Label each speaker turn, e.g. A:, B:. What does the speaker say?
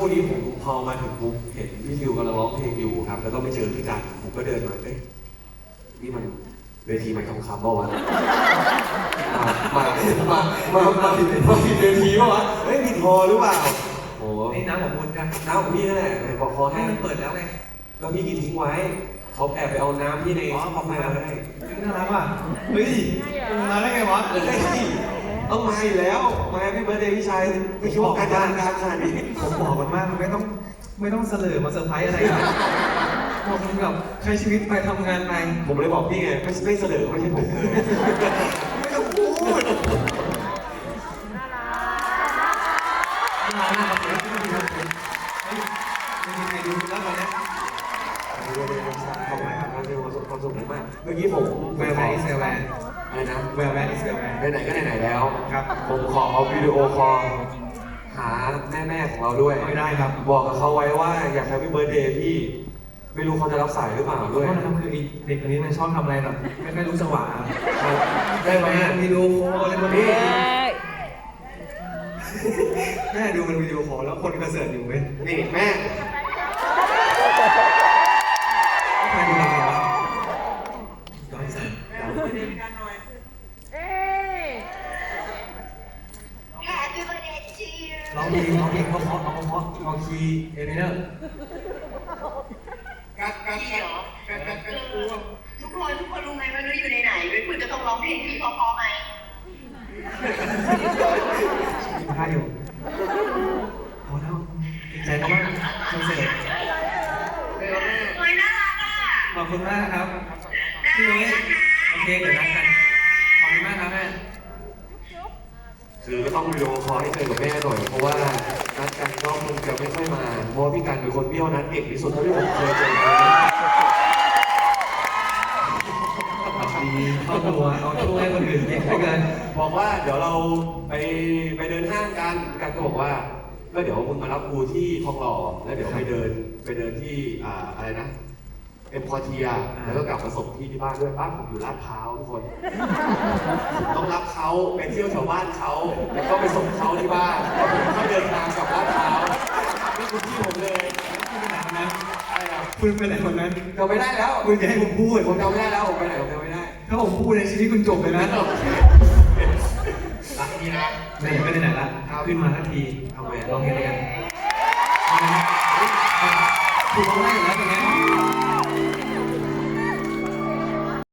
A: ดีผมพอมาถึงปุ๊บเห็นพี่ทิวกำลังร้องเพลงอยู่ครับแล้วก็ไปเจอพี่กันผมก็เดินมาเอ๊ะนี่มันเวทีใหม่ทองคำเปล่าวะมาผิดเวทีเปล่าวะเฮ้ยผิดพอหรือเปล่าโอ้
B: นี่น้ำของคุณกัน
A: น้ำของพี่นั่นแหละบอกคอ
B: ให้
A: ให้
B: มันเปิดแล้วไง
A: แล้วพี่กินทิ้งไว้เขาแอบไปเอาน้ำที่ใน
B: อ๋อขอบคุณ
A: มา
B: ครับ
A: ให้
B: น่ารักว่ะเฮ้ยมาได้ไงวะ
A: เฮ้ยต้องมาอยู่แล้วมาพี่เบิร์ดเดย์พี่ชายไม่คิดว่าการงานขนาดนี้
B: ผมบอกมันมากมันไม่ต้องเสลอมาเซอร์ไพรส์อะไรนะบอกมันแบบใช้ชีวิตไปทำงานไป
A: ผมเลยบอกพี่ไงไม่เสนอไม่ใช่ผมเลยไม่ต้องพูด
B: น่ารักครับผมไม่ดีครับผมไม่มีใครดูแล้ววันนี้
A: ขอบคุณครับความสุขมากเมื่อกี้ผม
B: แวร์แวร์อิสแวร์
A: อะไรนะ
B: แวร์แวร์อิสแวร์
A: ไหนๆก็ไหนๆแล้ว
B: ครับ
A: ผมขอเอาวิดีโอคอลหาแม่ของเราด้วย
B: ไม่ได้ครับ
A: บอกกับเขาไว้ว่าอยากให้พี่เบิร์ดเดย์พี่ไม่รู้เขาจะรับสายหรือเปล่า
B: ด้
A: ด้
B: ว
A: วย ย
B: นะครับคือเด็กคนนี้มันชอบทำอะไรแบบไม่ค่อยรู้จังหวะ
A: ได้ไหม
B: วิดีโอคอลอะไรแบบนี้แม่ดูมันวิดีโอคอลแล้วคนกระเสือกอยู่เว้ย
A: นี่แม่
B: ใครดูอะไรวะย้อนสั่น
C: Happy birthday to you
B: ร้องเพลงเพราะเอาคีย์เอเมเนอร์
C: ทุกคนรู้ไหมว่านุ้ยอยู่ในไหนนุ้ยคุณจะต้องร้องเพลงพี่พอๆไหม
B: ท่าอยู่พอแล้วเกรงใจเขามากคอนเสิร์ต
C: เฮ้ยน่ารักอ่ะ
B: ขอบคุณมากครับพี่นุ้ยโอเคเดี๋ยวนัดกันขอบคุณมากครับแม่
A: คือก็ต้องวิดีโอคอลให้เจอกับแม่หน่อยเพราะว่านัดกันก็คงจะไม่ค่อยมาเพราะว่าพี่กันเป็นคนเบี้ยวนัดเก่งที่สุดเท่าที่ผมเคยเจอมา
B: ดีเข้าตัวเอาช่วยคนอื่นเก่งเหลือเกิน
A: บอกว่าเดี๋ยวเราไปเดินห้างกันกันก็บอกว่าก็เดี๋ยวมึงมารับกูที่ทองหล่อแล้วเดี๋ยวไปเดินที่อะไรนะเอ็มพอเทียแล้วก็กลับมาส่งที่บ้านด้วยบ้านผมอยู่ลาดพร้าวทุกคนต้องรับเขาไปเที่ยวแถวบ้านเขาแล้วก็ไปส่งเขาที่บ้านแล้วผมก็เดินทางกลับลาดพร้าวนี่คือที่ผมเลยอะไรอ่ะ
B: คุณเป็นอะไรคนนั้น
A: จำไม่ได้แล้ว
B: คุณจะให้ผมพูด
A: ผมจำไม่ได้แล้วผมไปไหนผมจำไม่ได้
B: ถ้าผมพูดในชีวิตคุณจบเลยนะ
A: รักนี่นะ
B: ไหนๆก็ไหนๆละขึ้นมาทันที
A: ทำไม
B: ลองเพลงด้วยกันคุณร้องได้อยู่แล้ว